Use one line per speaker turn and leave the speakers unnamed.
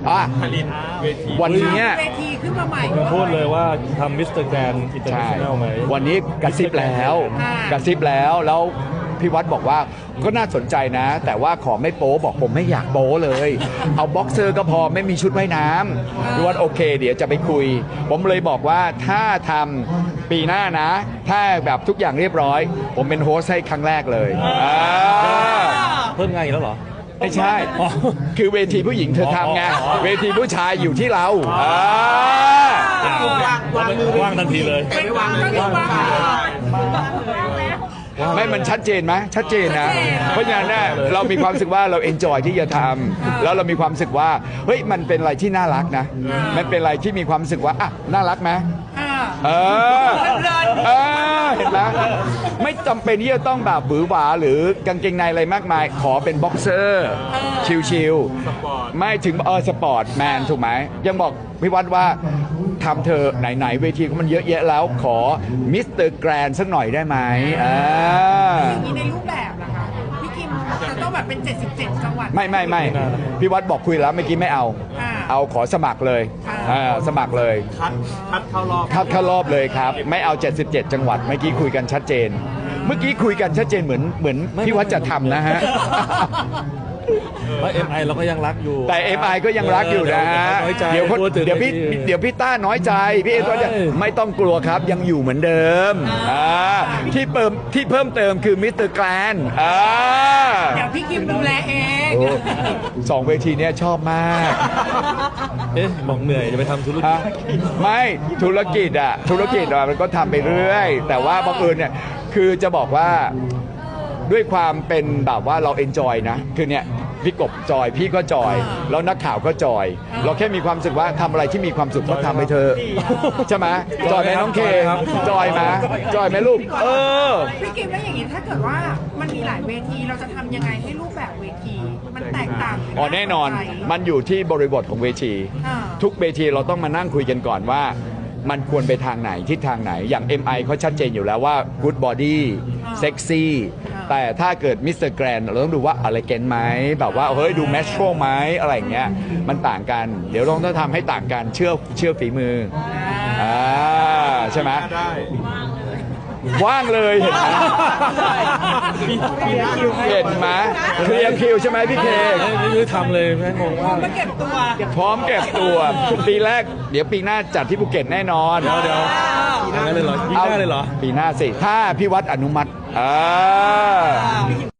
อ่ะ
ผลิตเวที
วันนี้
เวทีขึ้นมาใหม่
พูดเลยว่าทำมิสเตอร์แกรนด์อินเตอร์เน
ใช่
ชั่นแนลไหม
วันนี้กระซิบแล้วกระซิบแล้วพี่วัดบอกว่าก็น่าสนใจนะ แต่ว่าขอไม่โป๊บอกผมไม่อยากโป๊เลย เอาบ็อกเซอร์ก็พอไม่มีชุดว่ายน้ำพี่วัดโอเค เดี๋ยวจะไปคุย ผมเลยบอกว่าถ้าทำปีหน้านะ ถ้าแบบทุกอย่างเรียบร้อย ผมเป็นโฮสต์ให้ครั้งแรกเลยา
เพิ่มงานอีกแล้วเหรอ
ไม่ใช่ คือเวทีผู้หญิงเธอทำไง เวทีผู้ชายอยู่ที่เรา
ว่างทันทีเลย
ไม่วางไม่วาง
ไม่มันชัดเจนไหมชัดเจนนะ เพราะฉะนั้นเนี่ยเรามีความรู้สึกว่าเราเอนจอยที่จะทำแล้วเรามีความรู้สึกว่าเฮ้ยมันเป็นอะไรที่น่ารักนะ มันเป็นอะไรที่มีความรู้สึกว่าอ่ะน่ารักไหมเออเห็นไหมไม่จำเป็นที่จะต้องแบบบือหวาหรือกางเกงในอะไรมากมาย ขอเป็นบ็อกเซอร์ชิลๆไม่ถึงสปอร์ตแมนถูกไหมยังบอกพี่วัดว่าทำเธอไหนๆเวทีก็มันเยอะแยะแล้วขอมิสเตอร์แกรนสักหน่อยได้ไหม
อย่างนี้ในรูปแบบล่ะคะพี่กิมจะต้องแบบเป็น77จังหวัด
ไม่พี่วัดบอกคุยแล้วเมื่อกี้ไม่เอา เอาขอสมัครเลยสมัครเลย
คัดเข้ารอบ
เข้ารอบเลยครับ ไม่เอา77จังหวัดเมื่อกี้คุยกันชัดเจน เมื่อกี้คุยกันชัดเจนเหมือนพี่วัดจะทำนะฮะ
ว่า MI เราก็ยังรักอยู่
แต่ MI ก็ยังรักอยู่นะฮะ
น้อยใจ
เดี๋ยวพี่ต้าน้อยใจพี่เอตัวจะไม่ต้องกลัวครับยังอยู่เหมือนเดิมที่เพิ่มเติมคือมิสเตอร์แกรน
เดี๋ยวพี่กิมดูแลเอง
สองเวทีเนี้ยชอบมาก
บอกเหนื่อยจะไปทำธุรกิจ
ไม่ธุรกิจมันก็ทำไปเรื่อยแต่ว่าบังเอิญเนี่ยคือจะบอกว่าด้วยความเป็นแบบว่าเราเอนจอยนะคือเนี่ยพี่กบจอยพี่ก็จอยแล้วนักข่าวก็จอย เราแค่มีความรู้สึกว่าทำอะไรที่มีความสุขก็ทำไปเถอะใช่ไหมจอยไหมน้องเคจอยไหมลูก
พี่กิมแล้วอย่างนี้ถ้าเกิดว่ามันมีหลายเวทีเราจะทำยังไงให้รูปแบบเวทีมันแตกต่าง
แน่นอนมันอยู่ที่บริบทของเวทีทุกเวทีเราต้องมานั่งคุยกันก่อนว่ามันควรไปทางไหนทิศทางไหนอย่าง MI เขาชัดเจนอยู่แล้วว่า good body sexy แต่ถ้าเกิดมิสเตอร์แกรนเราต้องดูว่าอะไรเกนไหมแบบว่าเฮ้ยดูแมชโชไหมอะไรอย่างเงี้ยมันต่างกันเดี๋ยวต้องทำให้ต่างกันเชื่อฝีมือใช่ไหมว่างเลยเห็นไหมเห็นไหมเคลียร์คิวใช่ไหมพี่เค
ไม่ทำเลยแม่งงว่า
พร้อมเก็บตัวปีแรกเดี๋ยวปีหน้าจัดที่ภูเก็ตแน่นอน
เดี๋ยวปีหน้าเลยเหรอปีหน้าเลยเหรอ
ปีหน้าสิถ้าพี่วัดอนุมัติ
พี่กิม